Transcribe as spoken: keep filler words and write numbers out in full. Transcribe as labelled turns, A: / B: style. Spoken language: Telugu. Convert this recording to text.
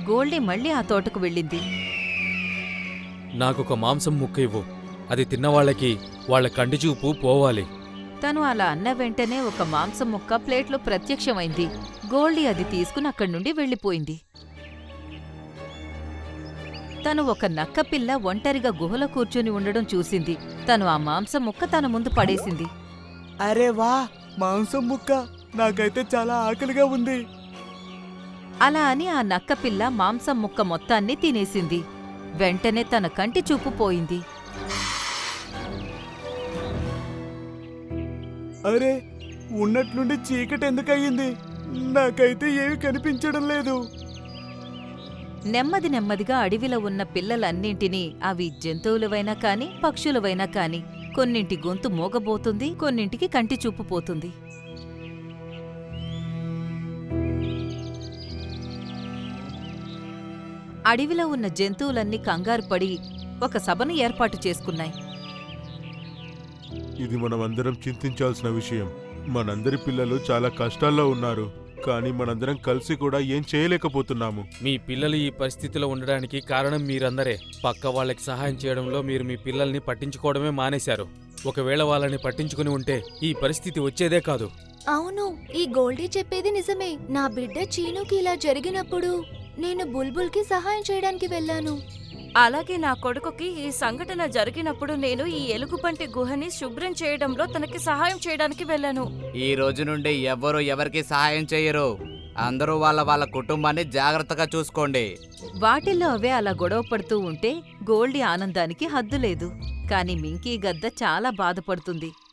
A: గోల్డీ మళ్ళీ ఆ తోటకు వెళ్ళింది.
B: నాకొక మాంసం ముక్క ఇవ్వు. అది తిన్నవాళ్లకి వాళ్ల కంటిచూపు పోవాలి.
A: తను అలా అన్న వెంటనే ఒక మాంసం ముక్క ప్లేట్లో ప్రత్యక్షమైంది. గోల్డీ అది తీసుకుని అక్కడి నుండి వెళ్ళిపోయింది. తను ఒక నక్కపిల్ల ఒంటరిగా గుహలో కూర్చుని ఉండడం చూసింది. తను ఆ మాంసం ముక్క తన ముందు పడేసింది.
C: అరే వా, మాంసం ముక్క! నాకైతే చాలా ఆకలిగా ఉంది.
A: అలా అని ఆ నక్కపిల్ల మాంసం ముక్క మొత్తాన్ని తినేసింది. వెంటనే తన కంటి చూపు పోయింది.
C: అరే, ఉన్నట్లుండి చీకటి ఎందుకయ్యింది? నాకైతే ఏమీ కనిపించడం లేదు.
A: నెమ్మది నెమ్మదిగా అడవిలో ఉన్న పిల్లలన్నింటినీ, అవి జంతువులవైనా కాని పక్షులవైనా కాని, కొన్నింటి గొంతు మోగబోతుంది, కొన్నింటికి కంటి చూపు పోతుంది. అడవిలో ఉన్న జంతువులన్నీ కంగారు పడి ఒక సభను ఏర్పాటు చేసుకున్నాయి.
D: ఇది మనమందరం చింతించాల్సిన విషయం. మనందరి పిల్లలు చాలా కష్టాల్లో ఉన్నారు, కానీ మనందరం కలిసి కూడా ఏం చేయలేకపోతున్నాము.
B: మీ పిల్లలు ఈ పరిస్థితిలో ఉండడానికి కారణం మీరందరే. పక్క వాళ్ళకి సహాయం చేయడంలో మీరు మీ పిల్లల్ని పట్టించుకోవడమే మానేశారు. ఒకవేళ వాళ్ళని పట్టించుకుని ఉంటే ఈ పరిస్థితి వచ్చేదే కాదు.
E: అవును, ఈ గోల్డీ చెప్పేది నిజమే. నా బిడ్డ చీనుకి ఇలా జరిగినప్పుడు నేను బుల్బుల్కి సహాయం చేయడానికి వెళ్ళాను.
F: అలాగే నా కొడుకుకి ఈ సంఘటన జరిగినప్పుడు నేను ఈ ఎలుగుబంటి గుహని శుభ్రం చేయడంలో తనకి సహాయం చేయడానికి వెళ్ళాను.
G: ఈ రోజు నుండి ఎవ్వరూ ఎవరికి సహాయం చేయరు. అందరూ వాళ్ళ వాళ్ళ కుటుంబాన్ని జాగ్రత్తగా చూసుకోండి.
A: వాటిల్లో అవే అలా గొడవ పడుతూ ఉంటే గోల్డీ ఆనందానికి హద్దులేదు. కాని మింకీ గద్ద చాలా బాధపడుతుంది.